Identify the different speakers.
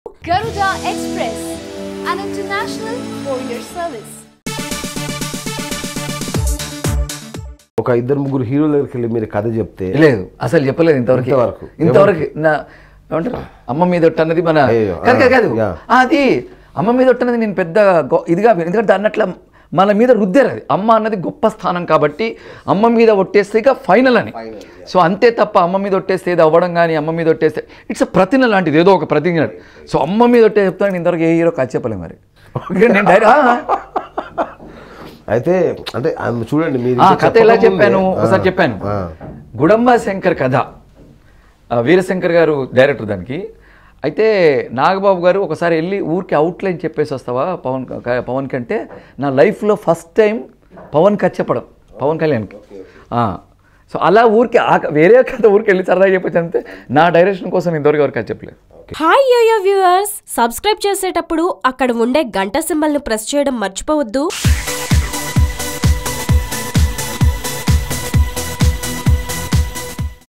Speaker 1: Garuda Express, an international courier service.
Speaker 2: ఒక ఇద్దరు ముగ్గురు హీరోల దగ్గరికి వెళ్ళి మీరు కథ చెప్తే
Speaker 3: లేదు అసలు చెప్పలేదు ఇంతవరకు నా ఏమంటారు అమ్మ మీద అన్నది మన కాదు అది అమ్మ మీద అన్నది నేను పెద్ద ఇదిగా ఎందుకంటే అన్నట్ల మన మీద రుద్దారు అది అమ్మ అన్నది గొప్ప స్థానం కాబట్టి అమ్మ మీద ఒట్టేస్తే ఇక ఫైనల్ అని సో అంతే తప్ప అమ్మ మీద ఒట్టేస్తే ఏదో అవ్వడం కానీ అమ్మ మీద ఒట్టేస్తే ఇట్స్ ప్రతిజ్ఞ లాంటిది ఏదో ఒక ప్రతిజ్ఞ సో అమ్మ మీద ఒట్టే చెప్తాను ఇంతవరకు ఏ హీరో కథ చెప్పలేదు మరి నేను
Speaker 2: అయితే అంటే చూడండి మీరు
Speaker 3: కథ ఎలా చెప్పాను ఒకసారి చెప్పాను గుడంబ శంకర్ కథ వీరశంకర్ గారు డైరెక్టర్ దానికి అయితే నాగబాబు గారు ఒకసారి వెళ్ళి ఊరికి అవుట్లైన్ చెప్పేసి వస్తావా పవన్ కంటే నా లైఫ్లో ఫస్ట్ టైం పవన్ కథ చెప్పడం పవన్ కళ్యాణ్కి సో అలా ఊరికి వేరే కథ ఊరికి వెళ్ళి సరదాగా చెప్పచ్చు అంతే నా డైరెక్షన్ కోసం ఇంతవరకు ఎవరికి కథ చెప్పలేదు.
Speaker 4: హాయ్ యోయో వ్యూవర్స్, సబ్స్క్రైబ్ చేసేటప్పుడు అక్కడ ఉండే గంట సింబల్ను ప్రెస్ చేయడం మర్చిపోవద్దు.